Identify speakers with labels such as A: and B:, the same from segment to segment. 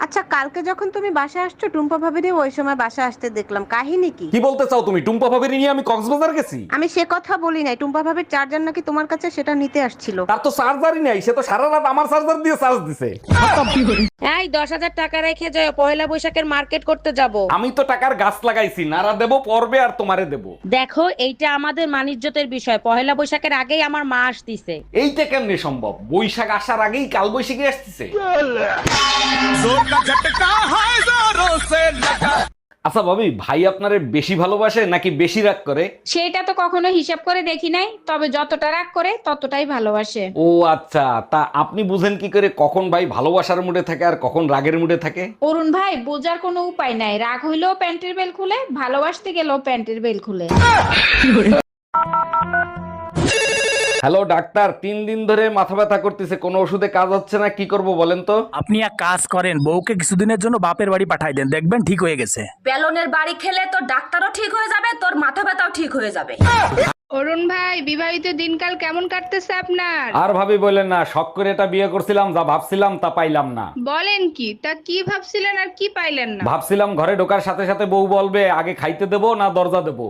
A: আচ্ছা, কালকে যখন তুমি বাসায় আসছো টুম্পা ভাবিরে ওই সময় বাসায় আসতে দেখলাম, কাহিনী কি?
B: কি বলতে চাও তুমি? টুম্পা ভাবির নিয়ে আমি কক্সবাজার গেছি?
A: আমি সে কথা বলি নাই, টুম্পা ভাবির চার্জার নাকি তোমার কাছে, সেটা নিতে আসছিল।
B: তার তো চার্জারই নাই, সে তো সারা রাত আমার চার্জার দিয়ে চার্জ দিছে।
A: এই 10,000 টাকা রেখে যাও, পয়লা বৈশাখের মার্কেট করতে যাব।
B: আমি তো টাকার গাছ লাগাইছি, নারা দেবো পর্বে আর তোমারে দেবো।
A: দেখো, এইটা আমাদের মানিজ্যতের বিষয়, পয়লা বৈশাখের আগেই আমার মা আসতিছে।
B: এইটা কেমনে সম্ভব? বৈশাখ আসার আগেই কাল বৈশাখী আসতেছে। আচ্ছা ভাবি, ভাই আপনারে বেশি ভালোবাসে নাকি বেশি রাগ করে?
C: সেটা তো কখনো হিসাব করে দেখি নাই, তবে যতটা রাগ করে ততটাই ভালোবাসে।
B: ও আচ্ছা, তা আপনি বুঝেন কি করে কখন ভাই ভালোবাসার মুডে থাকে আর কখন রাগের মুডে থাকে?
C: অরুণ ভাই, বোঝার কোনো উপায় নাই, রাগ হইলেও প্যান্টের বেল খুলে, ভালোবাসতে গেলেও প্যান্টের বেল খুলে।
B: হ্যালো ডাক্তার, 3 দিন ধরে মাথা ব্যথা করতেছে, কোনো ওষুধে কাজ হচ্ছে না, কি করব বলেন তো?
D: আপনি এক কাজ করেন, বউকে কিছুদিনের জন্য বাপের বাড়ি পাঠাই দেন, দেখবেন ঠিক হয়ে গেছে।
E: বেলনের বাড়ি খেলে তোর ডাক্তারও ঠিক হয়ে যাবে, তোর মাথা ব্যথাও ঠিক হয়ে যাবে।
C: অরুণ ভাই, বিবাহিত দিনকাল কেমন কাটতেছে আপনার?
B: আর ভাবি বলেন না, শখ করে এটা বিয়ে করছিলাম, যা ভাবছিলাম তা পাইলাম না।
C: বলেন কি? তা কি ভাবছিলেন আর কি পাইলেন না?
B: ভাবছিলাম ঘরে ঢোকার সাথে সাথে বউ বলবে আগে খাইতে দেবো না দরজা দেবো।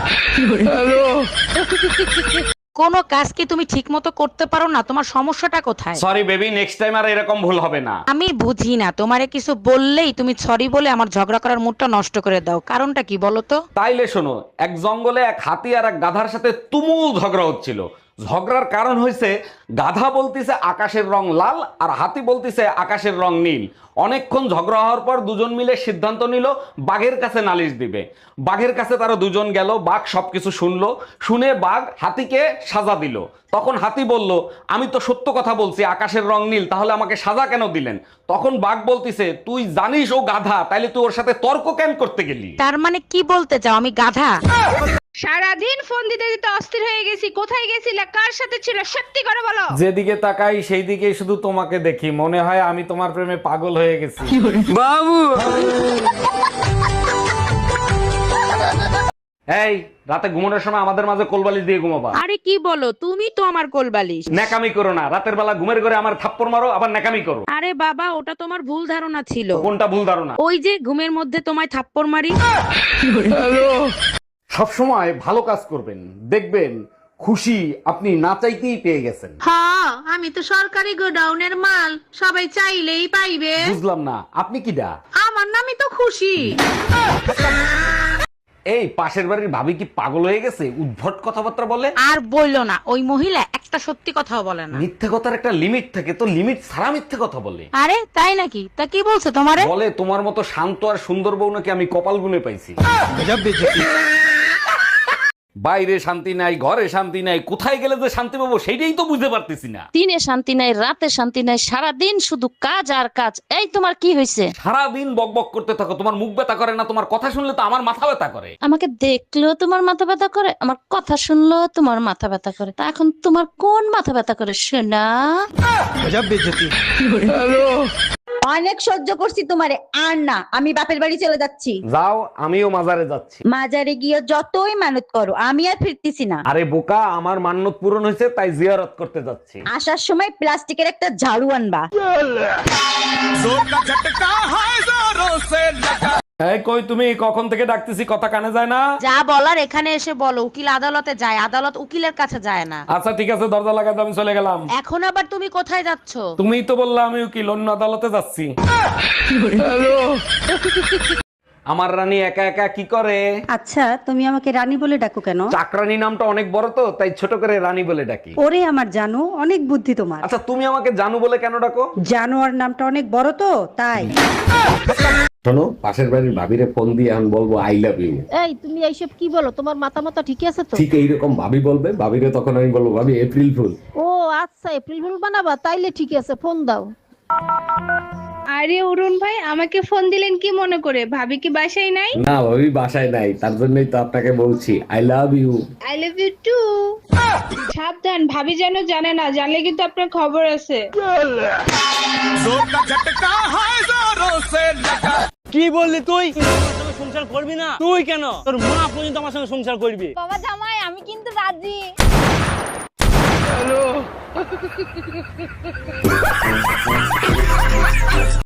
A: কোনো কাজ কি তুমি ঠিক মতো করতে পারো না? তোমার সমস্যাটা কোথায়?
B: সরি বেবি, নেক্সট টাইম আর এরকম ভুল হবে না।
A: আমি বুঝি না, তোমারে কিছু বললেই তুমি সরি বলে আমার ঝগড়া করার মুডটা নষ্ট করে দাও, কারণটা কি বলো তো?
B: তাইলে শোনো, এক জঙ্গলে এক হাতি আর এক গাধার সাথে তুমুল ঝগড়া হচ্ছিল। ঝগড়ার কারণ হয়েছে গাধা বলতিছে আকাশের রং লাল আর হাতি বলতিছে আকাশের রং নীল। অনেকক্ষণ ঝগড়া হওয়ার পর দুজন মিলে সিদ্ধান্ত নিল বাঘের কাছে নালিশ দিবে। বাঘের কাছে তারা দুজন গেল, বাঘ সবকিছু শুনলো, শুনে বাঘ হাতিকে সাজা দিল। তখন হাতি বলল, আমি তো সত্য কথা বলছি আকাশের রং নীল, তাহলে আমাকে সাজা কেন দিলেন? তখন বাঘ বলতিছে, তুই জানিস ও গাধা, তাইলে তুই ওর সাথে তর্ক কেন করতে গেলি?
A: তার মানে কি বলতে চাও আমি গাধা?
C: সারাদিন ফোন দিতে দিতে অস্থির হয়ে গেছি, কোথায় গেছিলে, কার সাথে ছিল, সত্যি করে বলো।
B: যেদিকে তাকাই সেই দিকেই শুধু তোমাকে দেখি, মনে হয় আমি তোমার প্রেমে পাগল হয়ে গেছি।
D: বাবু,
B: এই রাতে ঘুমানোর সময় আমাদের মাঝে কোলবালিশ দিয়ে ঘুমাবা।
A: আরে কি বলো, তুমি তো আমার কোলবালিশ।
B: ন্যাকামি করো না, রাতের বেলা ঘুমের ঘরে আমার থাপ্পড় মারো আবার ন্যাকামি করো।
A: আরে বাবা, ওটা তোমার ভুল ধারণা ছিল।
B: কোনটা ভুল ধারণা?
A: ওই যে ঘুমের মধ্যে তোমায় থাপ্পড় মারি।
B: সবসময় ভালো কাজ করবেন, দেখবেন খুশি আপনি না চাইতেই পেয়ে গেছেন।
A: হ্যাঁ, আমি তো সরকারি গোডাউনের মাল, সবাই চাইলেই পাইবে।
B: বুঝলাম না, আপনি কি দা?
A: আমার নামই তো খুশি।
B: এই পাশের বাড়ির ভাবি কি পাগল হয়ে গেছে? উদ্ভট কথাবার্তা বলে।
A: আর বললো না, ওই মহিলা একটা সত্যি কথাও বলে না।
B: মিথ্যে কথার একটা লিমিট থাকে, তো লিমিট ছাড়া মিথ্যে কথা বলে।
A: আরে তাই নাকি? তা কি বলছো তোমারে?
B: বলে তোমার মতো শান্ত আর সুন্দর বউ নাকি আমি কপাল গুনে পাইছি। বাইরে শান্তি নাই, ঘরে শান্তি নাই, কোথায় গেলে যে শান্তি পাবো সেইটাই তো বুঝতে পারতেছি না।
F: দিনে শান্তি নাই, রাতে শান্তি নাই, সারাদিন শুধু কাজ আর কাজ। এই তোমার কি হয়েছে?
B: সারাদিন বকবক করতে থাকো, তোমার মুখ ব্যথা করে না? তোমার কথা শুনলে তো আমার মাথা ব্যথা করে।
F: আমাকে দেখলেও তোমার মাথা ব্যথা করে, আমার কথা শুনলেও তোমার মাথা ব্যথা করে। তা এখন তোমার কোন মাথা ব্যথা করে শোনা?
G: অনেক সহ্য করছি তোমারে, আর না, আমি বাপের বাড়ি চলে যাচ্ছি।
B: যাও, আমিও মাজারে যাচ্ছি।
G: মাজারে গিয়ে যতই মানত করো, আমি আর ফিরতেছি না।
B: আরে বোকা, আমার মান্যত পূরণ হয়েছে তাই জিয়ারত করতে যাচ্ছি।
G: আসার সময় প্লাস্টিকের একটা ঝাড়ু আনবা।
B: এই কই তুমি? কখন থেকে ডাকতেছি, কথা কানে যায় না?
A: যা বলার এখানে এসে বলো। উকিল আদালতে যায়, আদালত উকিলের কাছে যায় না।
B: আচ্ছা ঠিক আছে, দরজা লাগাতে আমি চলে গেলাম।
A: এখন আবার তুমি কোথায় যাচ্ছ?
B: তুমিই তো বললা আমি উকিল, অন্য আদালতে যাচ্ছি। আমার রানী একা একা কি করে?
G: আচ্ছা, তুমি আমাকে রানী বলে ডাকো কেন?
B: চাকরানী নামটা অনেক বড় তো, তাই ছোট করে রানী বলে ডাকি।
G: ওরে আমার জানো, অনেক বুদ্ধি তোমার।
B: আচ্ছা তুমি আমাকে জানু বলে কেন ডাকো?
G: জানোয়ার নামটা অনেক বড় তো, তাই।
B: শোনো, পাশের বাড়ির ভাবিরে ফোন দিয়ে আমি বলবো আই লাভ ইউ।
F: এই তুমি এইসব কি বলো? তোমার মাথা মাথা ঠিক আছে তো?
B: ঠিক এইরকম ভাবি বলবে, ভাবিরে তখন আমি বলবো ভাবি এপ্রিল ফুল।
F: ও আচ্ছা, এপ্রিল ফুল বানাবা? তাইলে ঠিক আছে, ফোন দাও।
C: আরে অরুণ ভাই, আমাকে ফোন দিলেন কি মনে করে? ভাবি কি বাসায় নাই?
B: না ভাবি বাসায় নাই, তার জন্যই তো আপনাকে বলছি I love you.
C: I love you too. সাবধান, ভাবি যেন জানে না, জানলে কিন্তু আপনার খবর আছে।
H: কি বললি তুই? সংসার করবি না তুই? কেন? তোর মা পর্যন্ত আমার সঙ্গে সংসার করবি।
E: বাবা জামাই, আমি কিন্তু রাজি।